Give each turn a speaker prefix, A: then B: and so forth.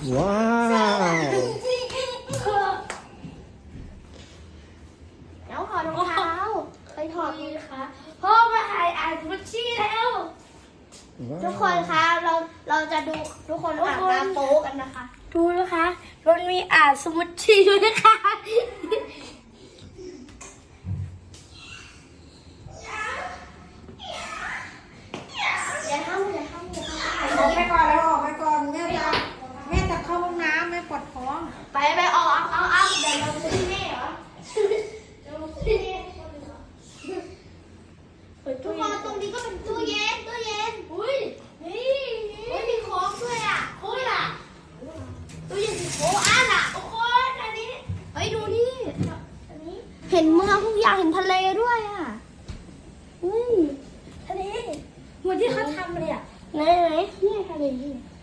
A: ว้าว
B: แล้วถอดรองเท้าไปถอด
C: นี่นะคะพ่อมาถ่ายอ่านบัญชีแล้ว
B: ทุกคนคะเราจะดูทุกคนอาบน้ำโป๊กันนะคะ
C: ดูนะคะมันมีอ่านสมุดชีด้วยนะคะ
B: อย่าทำอย่าทำอย่าทำ
D: ออกไปก่อนแล้วออกไปก่อนแม่จะเข้าห้องน้ำแม่ปวดท้อง
B: ไปออกเอาเดี๋ยวเราไปซื้อแม่เหรอเดี๋ยวเราไปซื้อแม่ทุกคนตรงนี้ก็เป็นตู้เย็น
C: อุ้ยนี่
B: มีโค้กด้วยอ่ะ
C: โอ้ยอ่ะ
B: ตู้เย็นสีโค้กอ่ะโอ้โหอันนี้เฮ้ยดูนี่อันนี้เห็นเมืองทุกอย่างเห็นทะเลด้วยอ่ะ
C: ทะเลเหมือนที่เขาทำเลยอ่ะ
B: ไหนเนี่ยทะเลนี่